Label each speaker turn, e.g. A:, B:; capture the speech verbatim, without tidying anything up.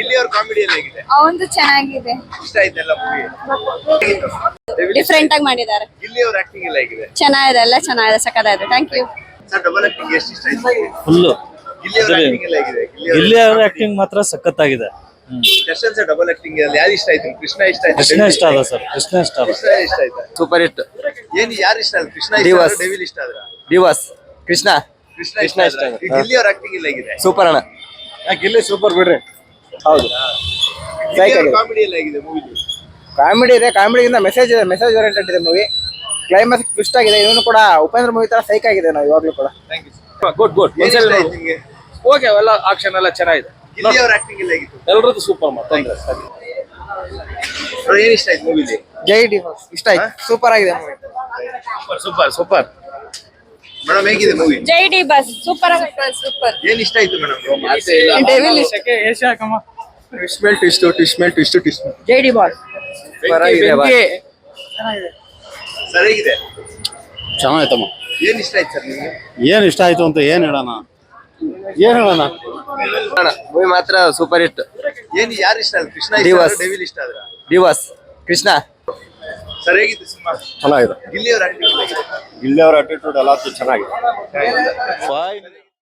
A: ಗಿಲ್ಲಿ ಅವ್ರ ಕಾಮಿಡಿ ಎಲ್ಲ ಹೇಗಿದೆ?
B: ಅವಂದು ಚೆನ್ನಾಗಿದೆ,
A: ಇಷ್ಟ ಆಯ್ತಲ್ಲ ಮೂವಿ?
B: ಡಿಫ್ರೆಂಟ್ ಆಗಿ ಮಾಡಿದ್ದಾರೆ.
A: ಗಿಲ್ಲಿ ಅವ್ರ ಆಕ್ಟಿಂಗ್ ಎಲ್ಲ ಹೇಗಿದೆ?
B: ಚೆನ್ನಾಗಿದೆ, ಎಲ್ಲ ಚೆನ್ನಾಗಿದೆ, ಸಕ್ಕತ್ತಾಗಿದೆ. Thank you.
A: Sir double acting ಎಷ್ಟು ಇಷ್ಟ ಆಯ್ತು?
C: ಫುಲ್ಲು
A: ಗಿಲ್ಲಿ ಅವ್ರ ಆಕ್ಟಿಂಗ್ ಎಲ್ಲ ಹೇಗಿದೆ?
C: ಗಿಲ್ಲಿ ಅವರ ಆಕ್ಟಿಂಗ್ ಮಾತ್ರ ಸಖತ್ತಾಗಿದೆ.
A: ದರ್ಶನ್ ಸರ್ ಡಬಲ್ ಆಕ್ಟಿಂಗ್ ಅಲ್ಲಿ ಯಾರು ಇಷ್ಟ ಆಯ್ತು? ಕೃಷ್ಣ ಇಷ್ಟ ಆಯ್ತು?
C: ಕೃಷ್ಣ ಇಷ್ಟ ಅದ ಸರ್, ಕೃಷ್ಣ ಇಷ್ಟ ಅದ.
A: ಕೃಷ್ಣ ಇಷ್ಟ ಆಯ್ತಾ?
D: Super hit.
A: ಏನ್ ಯಾರು ಇಷ್ಟ ಆಯ್ತು? ಕೃಷ್ಣ ಇಷ್ಟ
D: ಡಿವೋರ್ಸ್.
A: ಆದ್ರೆ ಡೆವಿಲ್ ಇಷ್ಟ ಆದ್ರ?
D: ಡಿವೋರ್ಸ್. ಕೃಷ್ಣ
A: ಕೃಷ್ಣ
D: ಕೃಷ್ಣ
A: ಇಷ್ಟ
D: ಇಷ್ಟ
A: ಆಯ್ತಾ?
D: ಆಯ್ತು.
A: ಈ ಗಿಲ್ಲಿ ಅವ್ರ ಆಕ್ಟಿಂಗ್ ಎಲ್ಲ ಹೇಗಿದೆ?
D: ಸೂಪರ್ ಅಣ್ಣ.
C: ಗಿಲ್ಲಿ ಸೂಪರ್ ಬಿಡ್ರಿ.
D: ಹೌದು.
A: ಕಾಮಿಡಿ ಎಲ್ಲ ಹೇಗಿದೆ ಮೂವಿ?
D: ಕಾಮಿಡಿ ಇದೆ, ಕಾಮಿಡಿಗಿಂತ ಮೆಸೇಜ್ ಇದೆ, ಮೆಸೇಜ್ ಓರಿಯೆಂಟೆಡ್ ಇದೆ ಮೂವಿ. ಕ್ಲೈಮ್ಯಾಕ್ಸ್ ಟ್ವಿಸ್ಟ್ ಆಗಿದೆ. ಇವನು ಕೂಡ ಉಪೇಂದ್ರ ಮೂವಿ ತರ ಸೈಕ್ ಆಗಿದೆ ನಾವು ಇವಾಗ್ಲೂ ಕೂಡ.
A: Thank you.
E: ಗುಡ್ ಗುಡ್
A: ಏನ್ ಇಷ್ಟ ಆಯ್ತು ನಿಮ್ಗೆ?
E: ಓಕೆ, ಎಲ್ಲ ಆಕ್ಷನ್ ಎಲ್ಲ ಚೆನ್ನಾಗಿದೆ.
A: ಗಿಲ್ಲಿ ಅವ್ರ ಆಕ್ಟಿಂಗ್ ಎಲ್ಲ ಹೇಗಿತ್ತು?
E: ಎಲ್ಲರದ್ದು ಸೂಪರ್ ಮಾತಂದ್ರೆ
A: ಬ್ರೋ, ಏನ್ ಇಷ್ಟ ಆಯ್ತು ಮೂವಿಲಿ?
D: ಜೈ ಡಿವೋರ್ಸ್ ಇಷ್ಟ ಆಯ್ತು. ಸೂಪರ್ ಆಗಿದೆ ಮೂವಿ.
E: Super super.
A: ಮೇಡಮ್ ಹೇಗಿದೆ ಮೂವಿ?
B: ಜೈ ಡಿ ಬಸ್ ಸೂಪರ್ ಸೂಪರ್.
A: ಏನ್ ಇಷ್ಟ ಆಯ್ತು ಮೇಡಮ್?
B: ಡೆವಿಲ್
D: ಟ್ವಿಸ್ಟ್ ಮೇಲೆ ಟ್ವಿಸ್ಟ್, ಟ್ವಿಸ್ಟ್ ಮೇಲೆ ಟ್ವಿಸ್ಟ್, ಟ್ವಿಸ್ಟ್.
B: ಜೈ ಡಿ ಬಾಸ್
A: ಸರ್ ಹೇಗಿದೆ?
C: ಚೆನ್ನಾಯ್ತಮ್ಮ.
A: ಏನ್ ಇಷ್ಟ ಆಯ್ತು ಸರ್ ನಿಮ್ಗೆ?
C: ಏನ್ ಇಷ್ಟ ಆಯ್ತು ಅಂತ ಏನ್ ಹೇಳೋಣ, ಏನ್ ಹೇಳೋಣ.
D: ಮೂವಿ ಮಾತ್ರ ಸೂಪರ್ ಹಿಟ್.
A: ಏನ್ ಯಾರು ಇಷ್ಟ ಆಯ್ತು? ಕೃಷ್ಣ ಇಷ್ಟ
D: ಡಿವೋರ್ಸ್.
A: ಆದ್ರೆ ಡೆವಿಲ್ ಇಷ್ಟ ಆದ್ರ?
D: ಡಿವೋರ್ಸ್. ಕೃಷ್ಣ
A: ಸರ್ ಹೇಗಿತ್ತು ಸಿನಿಮಾ?
C: ಚೆನ್ನಾಗಿದೆ.
A: ಗಿಲ್ಲಿ ಅವ್ರ ಆಕ್ಟಿಂಗ್ ಹೇಗಿದೆ?
C: ಗಿಲ್ಲಿ ಅವರ ಅಟಿಟ್ಯೂಡ್ ಎಲ್ಲ ಚೆನ್ನಾಗಿದೆ.